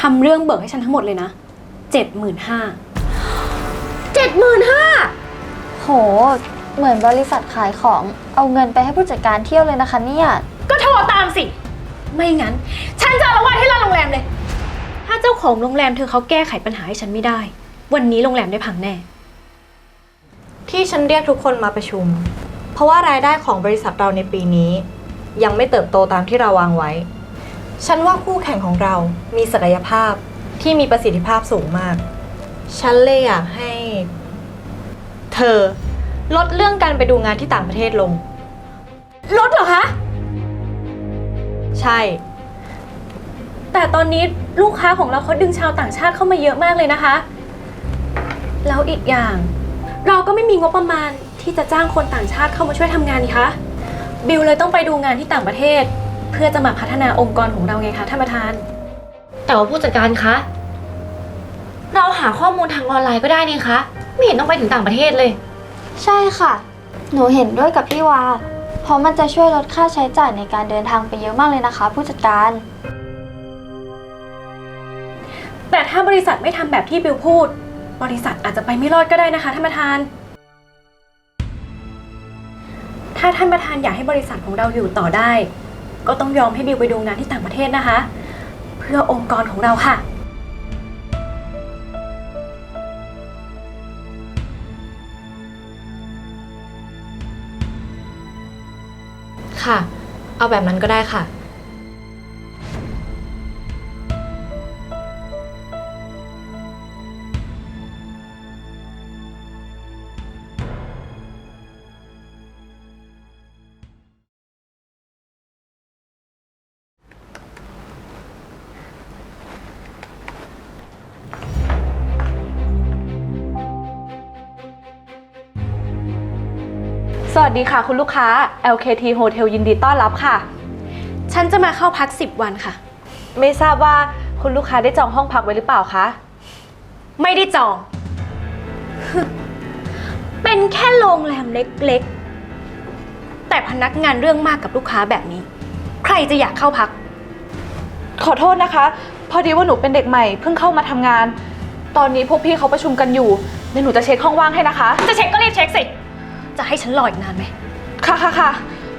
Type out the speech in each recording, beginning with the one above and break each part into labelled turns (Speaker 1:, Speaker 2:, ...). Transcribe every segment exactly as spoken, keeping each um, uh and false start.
Speaker 1: ำเรื่องเบิกให้ฉันทั้งหมดเลยนะเจ็ดหมื่นห้า
Speaker 2: เจ็ดหมื่นห้า
Speaker 3: โหเหมือนบริษัทขายของเอาเงินไปให้ผู้จัดการเที่ยวเลยนะคะเนี่ย
Speaker 1: ก็โทรตามสิไม่งั้นฉันจะอาละวาดให้ร้านโรงแรมเลยถ้าเจ้าของโรงแรมเธอเขาแก้ไขปัญหาให้ฉันไม่ได้วันนี้โรงแรมได้พังแน่
Speaker 2: ที่ฉันเรียกทุกคนมาประชุมเพราะว่ารายได้ของบริษัทเราในปีนี้ยังไม่เติบโตตามที่เราวางไว้ฉันว่าคู่แข่งของเรามีศักยภาพที่มีประสิทธิภาพสูงมากฉันเลยอยากให้เธอลดเรื่องการไปดูงานที่ต่างประเทศลง
Speaker 1: ลดเหรอคะ
Speaker 2: ใช่
Speaker 1: แต่ตอนนี้ลูกค้าของเราเขาดึงชาวต่างชาติเข้ามาเยอะมากเลยนะคะแล้วอีกอย่างเราก็ไม่มีงบประมาณที่จะจ้างคนต่างชาติเข้ามาช่วยทำงานนี่คะบิลเลยต้องไปดูงานที่ต่างประเทศเพื่อจะมาพัฒนาองค์กรของเราไงคะท่านประธาน
Speaker 4: แต่ว่าผู้จัดการคะเราหาข้อมูลทางออนไลน์ก็ได้นี่คะไม่เห็นต้องไปถึงต่างประเทศเลย
Speaker 3: ใช่ค่ะหนูเห็นด้วยกับพี่วาเพราะมันจะช่วยลดค่าใช้จ่ายในการเดินทางไปเยอะมากเลยนะคะผู้จัดการ
Speaker 1: แต่ถ้าบริษัทไม่ทำแบบที่บิลพูดบริษัทอาจจะไปไม่รอดก็ได้นะคะท่านประธานถ้าท่านประธานอยากให้บริษัทของเราอยู่ต่อได้ก็ต้องยอมให้บิลไปดูงานที่ต่างประเทศนะคะเพื่อองค์กรของเราค่ะ
Speaker 2: ค่ะเอาแบบนั้นก็ได้ค่ะ
Speaker 5: สวัสดีค่ะคุณลูกค้า แอล เค ที Hotel ยินดีต้อนรับค่ะ
Speaker 1: ฉันจะมาเข้าพักสิบวันค่ะ
Speaker 5: ไม่ทราบว่าคุณลูกค้าได้จองห้องพักไว้หรือเปล่าคะ
Speaker 1: ไม่ได้จอง เป็นแค่โรงแรมเล็กๆแต่พนักงานเรื่องมากกับลูกค้าแบบนี้ใครจะอยากเข้าพัก
Speaker 5: ขอโทษนะคะพอดีว่าหนูเป็นเด็กใหม่เพิ่งเข้ามาทำงานตอนนี้พวกพี่เขาประชุมกันอยู่เดี๋ยวหนูจะเช็คห้องว่างให้นะคะ
Speaker 1: จะเช็คก็รีบเช็คสิจะให้ฉันรออีกนานไหม
Speaker 5: ค่ะค่ะค่ะ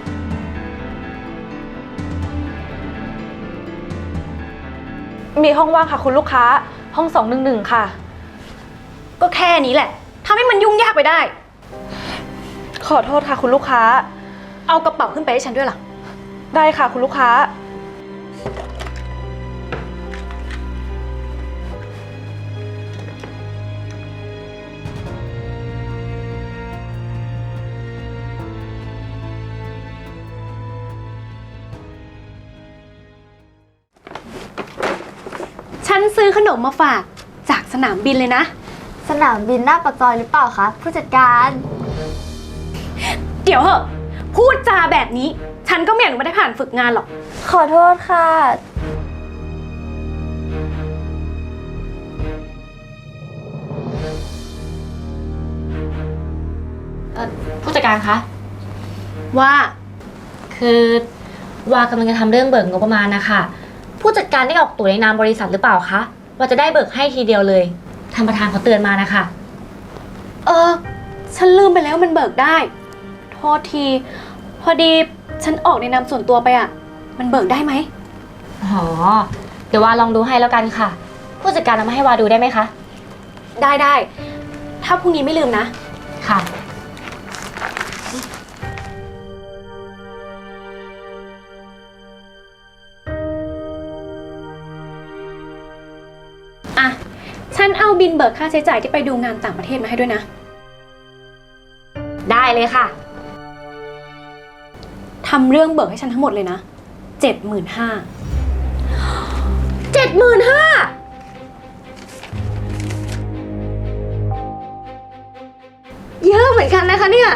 Speaker 5: มีห้องว่างค่ะคุณลูกค้าห้องสองหนึ่งหนึ่งค่ะ
Speaker 1: ก็แค่นี้แหละทำให้มันยุ่งยากไปได้
Speaker 5: ขอโทษค่ะคุณลูกค้า
Speaker 1: เอากระเป๋าขึ้นไปให้ฉันด้วยล่ะ
Speaker 5: ได้ค่ะคุณลูกค้า
Speaker 1: ฉันซื้อขนมมาฝากจากสนามบินเลยนะ
Speaker 3: สนามบินหน้าปากซอยหรือเปล่าคะผู้จัดการ
Speaker 1: เดี๋ยวเหอะพูดจาแบบนี้ฉันก็ไม่อยากไม่ได้ผ่านฝึกงานหรอก
Speaker 3: ขอโทษค่ะ
Speaker 4: ผู้จัดการคะ
Speaker 1: ว่า
Speaker 4: คือวากำลังจะทำเรื่องเบิกงบประมาณนะคะผู้จัดการได้ออกตัวในนามบริษัทหรือเปล่าคะว่าจะได้เบิกให้ทีเดียวเลยท่านประธานเขาเตือนมานะคะ
Speaker 1: เออฉันลืมไปแล้วมันเบิกได้โทษทีพอดีฉันออกในนามส่วนตัวไปอ่ะมันเบิกได้ไหม
Speaker 4: อ๋อเดี๋ยววาลองดูให้แล้วกันค่ะผู้จัดการเอามาให้วาดูได้ไหมคะ
Speaker 1: ได้ได้ถ้าพรุ่งนี้ไม่ลืมนะ
Speaker 4: ค่ะ
Speaker 1: อ่ะฉันเอาบินเบิกค่าใช้จ่ายที่ไปดูงานต่างประเทศมาให้ด้วยนะ
Speaker 4: ได้เลยค่ะ
Speaker 1: ทำเรื่องเบิกให้ฉันทั้งหมดเลยนะเจ็ดหมื่นห้า
Speaker 2: เจ็ดหมื่นห้าเยอะเหมือนกันนะคะเนี่ย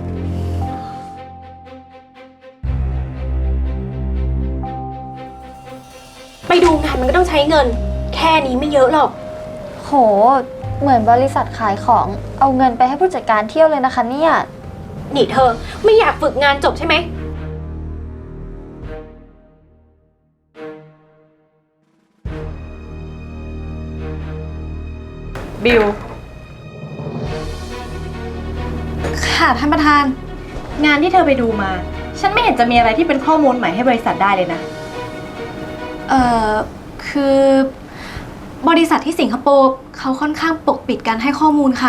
Speaker 1: ไปดูงานมันก็ต้องใช้เงินแค่นี้ไม่เยอะหรอก
Speaker 3: โหเหมือนบริษัทขายของเอาเงินไปให้ผู้จัดการเที่ยวเลยนะคะเนี่ย
Speaker 1: นี่เธอไม่อยากฝึกงานจบใช่ไหม
Speaker 2: บิล
Speaker 1: ค่ะท่านประธาน
Speaker 2: งานที่เธอไปดูมา ฉันไม่เห็นจะมีอะไรที่เป็นข้อมูลใหม่ให้บริษัทได้เลยนะ
Speaker 1: เอ่อ คือบริษัทที่สิงคโปร์เขาค่อนข้างปกปิดการให้ข้อมูลค่ะ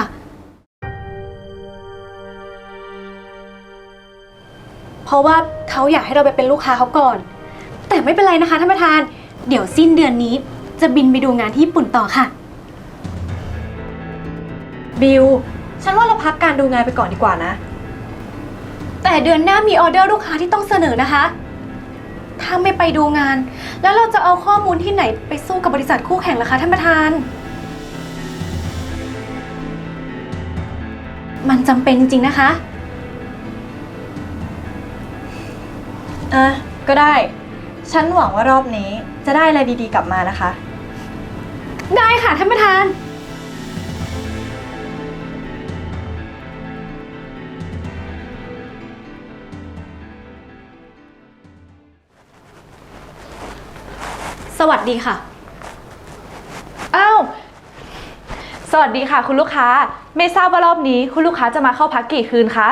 Speaker 1: เพราะว่าเขาอยากให้เราไปเป็นลูกค้าเขาก่อน แต่ไม่เป็นไรนะคะท่านประธาน เดี๋ยวสิ้นเดือนนี้จะบินไปดูงานที่ญี่ปุ่นต่อค่ะ
Speaker 2: บิล ฉันว่าเราพักการดูงานไปก่อนดีกว่านะ
Speaker 1: แต่เดือนหน้ามีออเดอร์ลูกค้าที่ต้องเสนอนะคะ ถ้าไม่ไปดูงาน แล้วเราจะเอาข้อมูลที่ไหนไปสู้กับบริษัทคู่แข่งล่ะคะท่านประธาน มันจำเป็นจริงๆนะคะ
Speaker 2: อ่ะ ก็ได้ ฉันหวังว่ารอบนี้จะได้อะไรดีๆกลับมานะคะ
Speaker 1: ได้ค่ะท่านประธาน สวัสดีค่ะ
Speaker 5: อ้าว สวัสดีค่ะคุณลูกค้า ไม่ทราบว่ารอบนี้คุณลูกค้าจะมาเข้าพักกี่คืนคะ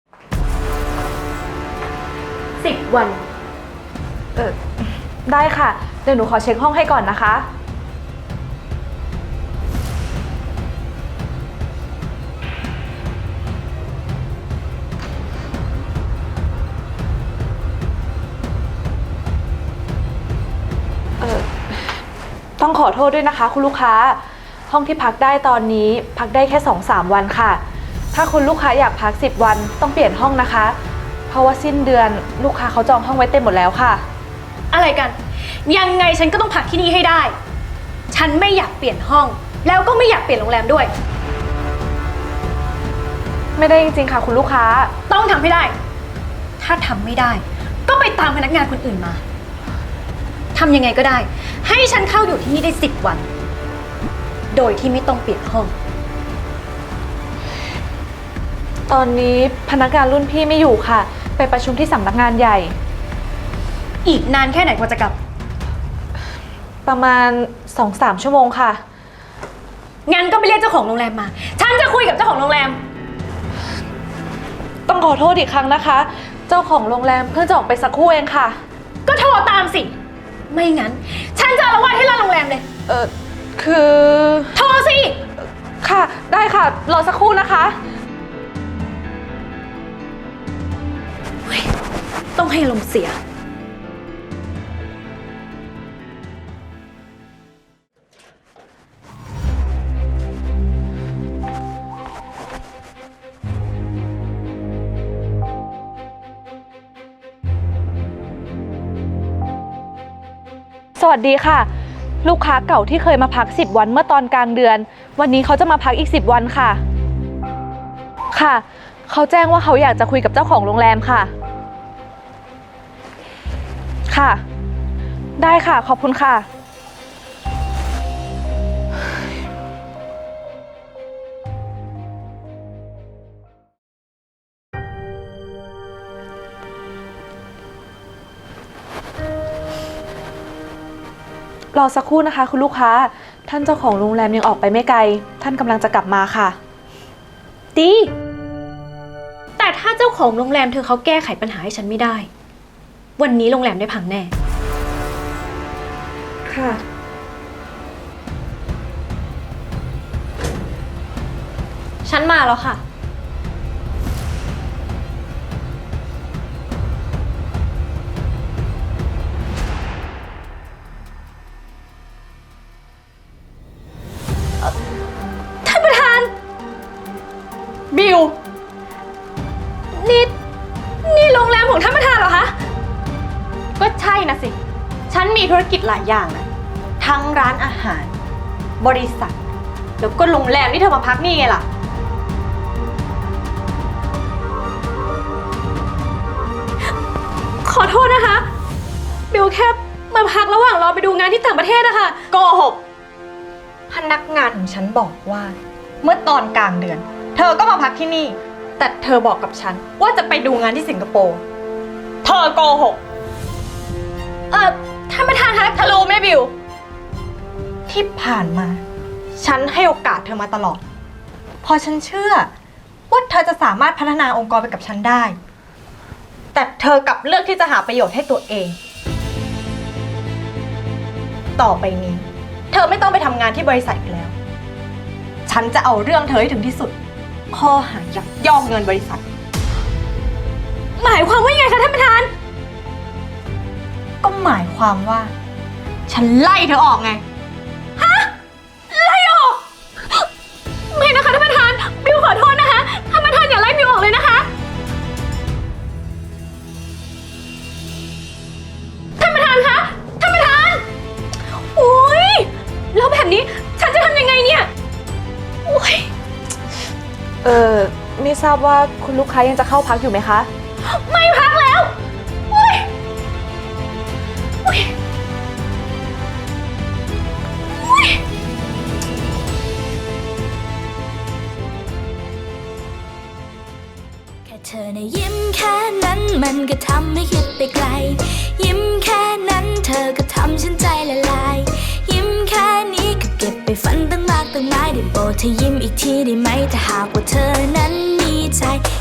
Speaker 1: สิบวัน
Speaker 5: เออได้ค่ะ เดี๋ยวหนูขอเช็คห้องให้ก่อนนะคะ เออต้องขอโทษด้วยนะคะคุณลูกค้า ห้องที่พักได้ตอนนี้พักได้แค่ สองถึงสาม วันค่ะ ถ้าคุณลูกค้าอยากพักสิบวันต้องเปลี่ยนห้องนะคะ เพราะว่าสิ้นเดือนลูกค้าเขาจองห้องไว้เต็มหมดแล้วค่ะ
Speaker 1: อะไรกัน ยังไงฉันก็ต้องพักที่นี่ให้ได้ ฉันไม่อยากเปลี่ยนห้อง แล้วก็ไม่อยากเปลี่ยนโรงแรมด้วย
Speaker 5: ไม่ได้จริงๆค่ะคุณลูกค้า
Speaker 1: ต้องทำให้ได้ ถ้าทำไม่ได้ ก็ไปตามพนักงานคนอื่นมา ทำยังไงก็ได้ ให้ฉันเข้าอยู่ที่นี่ได้สิบวัน โดยที่ไม่ต้องเปลี่ยนห้อง
Speaker 5: ตอนนี้พนักงานรุ่นพี่ไม่อยู่ค่ะ ไปประชุมที่สำนักงานใหญ่
Speaker 1: อีกนานแค่ไหนกว่าจะกลับ
Speaker 5: ประมาณ สองถึงสาม ชั่วโมงค่ะ
Speaker 1: งั้นก็ไปเรียกเจ้าของโรงแรมมา ฉันจะคุยกับเจ้าของโรงแรม
Speaker 5: ต้องขอโทษอีกครั้งนะคะ เจ้าของโรงแรมเพิ่งจะออกไปสักครู่เองค่ะ
Speaker 1: ก็โทรตามสิ ไม่งั้น ฉันจะอาละวาดให้ร้านโรงแรมเลย
Speaker 5: เออคือ
Speaker 1: โทรสิ
Speaker 5: ค่ะ ได้ค่ะ รอสักครู่นะคะ
Speaker 1: ต้องให้ลมณ์เสีย
Speaker 5: สวัสดีค่ะ ลูกค้าเก่าที่เคยมาพักสิบวันเมื่อตอนกลางเดือน วันนี้เขาจะมาพักอีกสิบวันค่ะ ค่ะ เขาแจ้งว่าเขาอยากจะคุยกับเจ้าของโรงแรมค่ะ ค่ะ ได้ค่ะ ขอบคุณค่ะ รอสักครู่นะคะคุณลูกค้า ท่านเจ้าของโรงแรมยังออกไปไม่ไกล ท่านกำลังจะกลับมาค่ะ
Speaker 1: ดี แต่ถ้าเจ้าของโรงแรมเธอเขาแก้ไขปัญหาให้ฉันไม่ได้ วันนี้โรงแรมได้พังแน่
Speaker 5: ค่ะ
Speaker 2: ฉันมาแล้วค่ะ
Speaker 1: ท่านประธาน
Speaker 2: บิล
Speaker 1: นี่ นี่โรงแรมของท่านประธานเหรอคะ
Speaker 2: ก็ใช่นะสิ ฉันมีธุรกิจหลายอย่างนะ ทั้งร้านอาหาร บริษัท แล้วก็โรงแรมที่เธอมาพักนี่ไงล่ะ
Speaker 1: ขอโทษนะคะ บิวแค่มาพักระหว่างรอไปดูงานที่ต่างประเทศอะค่ะ
Speaker 2: โกหก พนักงานของฉันบอกว่า เมื่อตอนกลางเดือน เธอก็มาพักที่นี่ แต่เธอบอกกับฉันว่าจะไปดูงานที่สิงคโปร์ เธอโกหก
Speaker 1: เอ่อ ท่านประธานคะ
Speaker 2: เธอรู้ไหมบิว ที่ผ่านมาฉันให้โอกาสเธอมาตลอดเพราะฉันเชื่อว่าเธอจะสามารถพัฒนาองค์กรไปกับฉันได้ แต่เธอกลับเลือกที่จะหาประโยชน์ให้ตัวเอง ต่อไปนี้ เธอไม่ต้องไปทำงานที่บริษัทอีกแล้ว ฉันจะเอาเรื่องเธอให้ถึงที่สุด ข้อหายักยอกเงินบริษัท
Speaker 1: หมายความว่ายังไงคะท่านประธาน
Speaker 2: ก็หมายความว่า ฉันไล่เธอออกไง
Speaker 1: ไล่ออก ไม่นะคะท่านประธาน บิวขอโทษนะคะ ท่านประธานอย่าไล่บิวออกเลยนะคะ ท่านประธานคะ ท่านประธาน โอ้ยแล้วแบบนี้ฉันจะทำยังไงเนี่ย โอ้ย
Speaker 5: เออไม่ทราบว่าคุณลูกค้ายังจะเข้าพักอยู่ไหมคะ
Speaker 1: ไม่พักแล้วโอ้ยโอ้ยโอ้ย
Speaker 6: แค่เธอในะยิ้มแค่นั้นมันก็ทำให้คิดไปไกล ยิ้มแค่นั้นเธอก็ทำฉันใจละลาย ยิ้มแค่นี้ก็เก็บไปฝันตั้งมากตั้งหลายได้โปรดเธอยิ้มอีกทีได้ไหมถ้าหากว่าเธอนั้นมีใจ